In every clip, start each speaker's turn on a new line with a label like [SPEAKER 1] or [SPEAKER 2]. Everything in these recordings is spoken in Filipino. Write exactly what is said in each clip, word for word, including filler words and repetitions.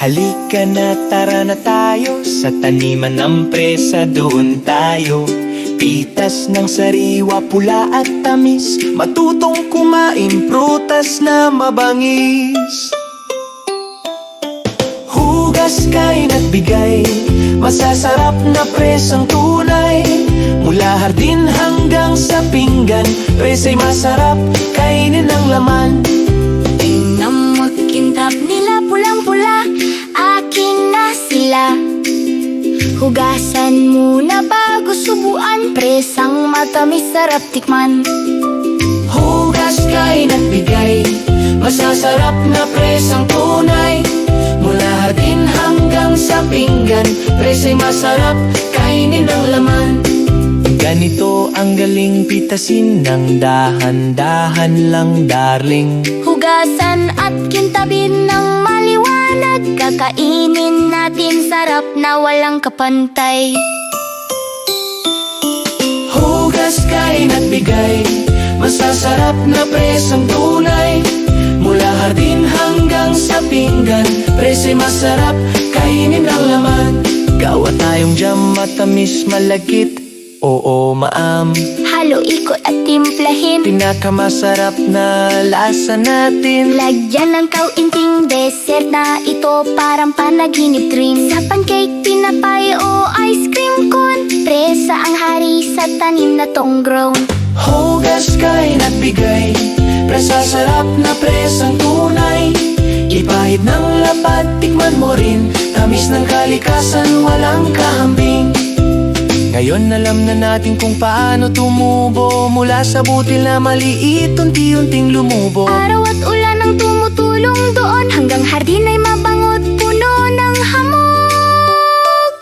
[SPEAKER 1] Halika na, tara na tayo sa taniman ng presa, doon tayo. Pitas ng sariwa, pula at tamis, matutong kumain, prutas na mabangis. Hugas, kain at bigay, masasarap na presang tunay. Mula hardin hanggang sa pinggan, presa'y masarap, kainin ang laman.
[SPEAKER 2] Tingnan mo't kintab nila, pulang-pula, akin na sila. Hugasan muna bago subuan, presang matamis, sarap tikman.
[SPEAKER 1] Hugas, kain at bigay, masasarap na presang tunay. Mula hardin hanggang sa pinggan, presa'y masarap, kainin ang laman. Ganito ang galing, pitasin ng dahan-dahan lang, darling.
[SPEAKER 2] Hugasan at kintabin ng maliwanag, kakainin natin, sarap na walang kapantay.
[SPEAKER 1] Hugas, kain at bigay, masasarap na presang tunay. Mula hardin hanggang sa pinggan, presa'y masarap, kainin ang laman. Gawa tayong jam, matamis, malagkit, oo, maam.
[SPEAKER 2] Halo, ikot at timplahin,
[SPEAKER 1] Pinakamasarap na lasa natin.
[SPEAKER 2] lagyan ng kauinting dessert na ito, parang panaginip dream. Sa pancake, pinapay o ice cream cone, presa ang hari sa tanim na tong grown.
[SPEAKER 1] Hugas, kain at bigay, presa sarap na presang tunay. Ipahid ng lapad, tikman mo rin, tamis ng kalikasan, walang kahambing. Ngayon alam na natin kung paano tumubo, mula sa butil na maliit, unti-unting lumubo.
[SPEAKER 2] Araw at ulan ang tumutulong doon, hanggang hardin ay mabango't puno ng hamog.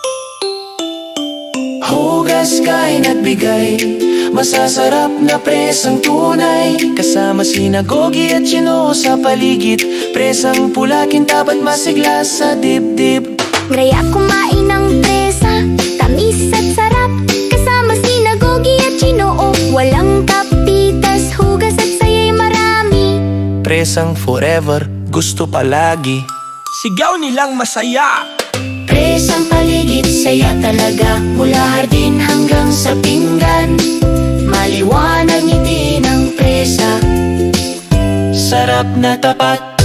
[SPEAKER 1] Hugas, kain at bigay, masasarap na presang tunay. Kasama sinagogi at chino sa paligid, presang pula, kintab at masigla sa dibdib.
[SPEAKER 2] Graya kumain ng presa, tamis at sarap, kasama sinagogi at chinoo. Walang kapitas, hugas at saya'y marami.
[SPEAKER 1] Presang forever, gusto palagi.
[SPEAKER 3] Sigaw nilang masaya.
[SPEAKER 2] Presang paligid, saya talaga, mula hardin hanggang sa pinggan. Maliwanag ngiti ng presa,
[SPEAKER 1] Sarap na tapat,